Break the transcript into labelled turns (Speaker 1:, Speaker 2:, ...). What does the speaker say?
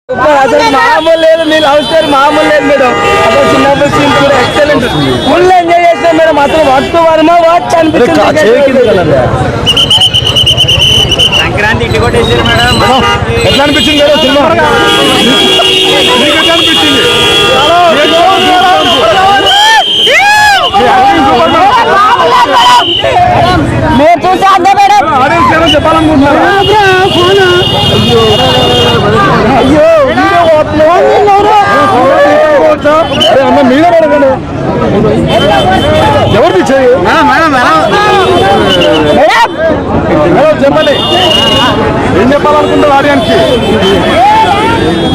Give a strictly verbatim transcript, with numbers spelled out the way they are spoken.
Speaker 1: అసలు మామూలు లేదు, మీ లవ్ స్టోరీ మామూలు లేదు మేడం. అసలు చిన్నప్పుడు సీన్ కూడా ఎక్సలెంట్, ఫుల్ ఎంజాయ్ చేస్తాం మేడం. అసలు వర్త్ వర్మ వాచ్ అనిపించింది.
Speaker 2: సంక్రాంతి ఇంటి కొట్టేసారు మేడం.
Speaker 3: ఎట్లా అనిపించింది మేడం సినిమా? మీకు ఎట్లా అనిపించింది?
Speaker 1: మీరు చూసి అంతే మేడం.
Speaker 3: ఆడియన్స్ ఏమో చెప్పాలనుకుంటున్నారు?
Speaker 1: అయ్యో
Speaker 3: అన్న మీరే అడగండి, ఎవరిది చెయ్యి మేడం చెప్పండి, ఏం చెప్పాలనుకుంటారు ఆడియన్స్ కి?